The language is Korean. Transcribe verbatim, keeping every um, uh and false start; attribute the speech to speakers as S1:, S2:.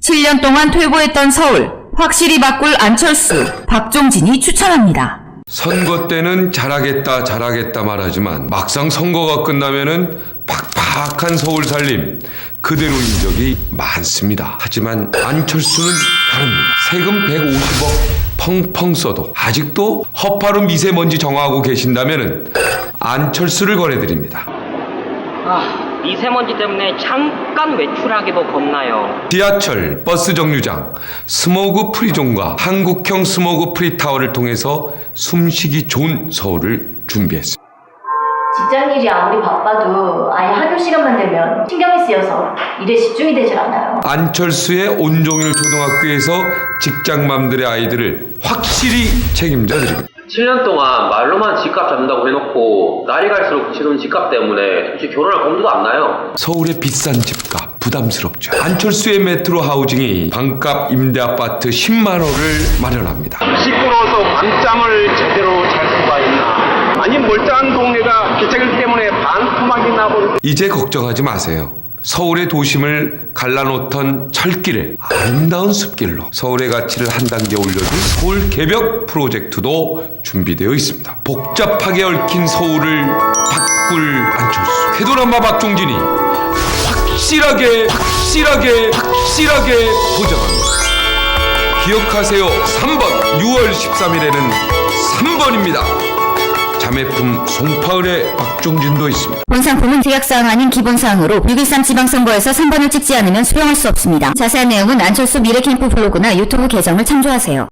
S1: 칠 년 동안 퇴보했던 서울, 확실히 바꿀 안철수, 박종진이 추천합니다.
S2: 선거 때는 잘하겠다 잘하겠다 말하지만 막상 선거가 끝나면은 팍팍한 서울 살림 그대로인 적이 많습니다. 하지만 안철수는 다릅니다. 세금 백오십억 펑펑 써도 아직도 허파로 미세먼지 정화하고 계신다면은 안철수를 권해드립니다.
S3: 아, 미세먼지 때문에 잠깐 외출하기도 겁나요.
S2: 지하철, 버스 정류장, 스모그 프리존과 한국형 스모그 프리타워를 통해서 숨쉬기 좋은 서울을 준비했습니다.
S4: 직장일이 아무리 바빠도 아예 학교 시간만 되면 신경이 쓰여서 일에 집중이 되질 않아요.
S2: 안철수의 온종일 초등학교에서 직장맘들의 아이들을 확실히 책임져 드립니다.
S5: 칠 년 동안 말로만 집값 잡는다고 해놓고 날이 갈수록 치솟는 집값 때문에 솔직히 결혼할 검도도 안 나요.
S2: 서울의 비싼 집값 부담스럽죠. 안철수의 메트로 하우징이 반값 임대 아파트 십만 호를 마련합니다.
S6: 시끄러워서 밤잠을 제대로 잘 수가 있나? 아니 멀쩡한 동네가 기차길 때문에 반토막이 나버리고.
S2: 이제 걱정하지 마세요. 서울의 도심을 갈라놓던 철길에 아름다운 숲길로 서울의 가치를 한 단계 올려줄 서울 개벽 프로젝트도 준비되어 있습니다. 복잡하게 얽힌 서울을 바꿀 안철수, 쾌도란마 박종진이 확실하게 확실하게 확실하게 보장합니다. 기억하세요. 삼 번 유월 십삼일에는 삼 번입니다. 자매품 송파을의 박종진도 있습니다.
S1: 본 상품은 제약사항 아닌 기본사항으로 육점일삼 지방선거에서 삼 번을 찍지 않으면 수령할 수 없습니다. 자세한 내용은 안철수 미래캠프 블로그나 유튜브 계정을 참조하세요.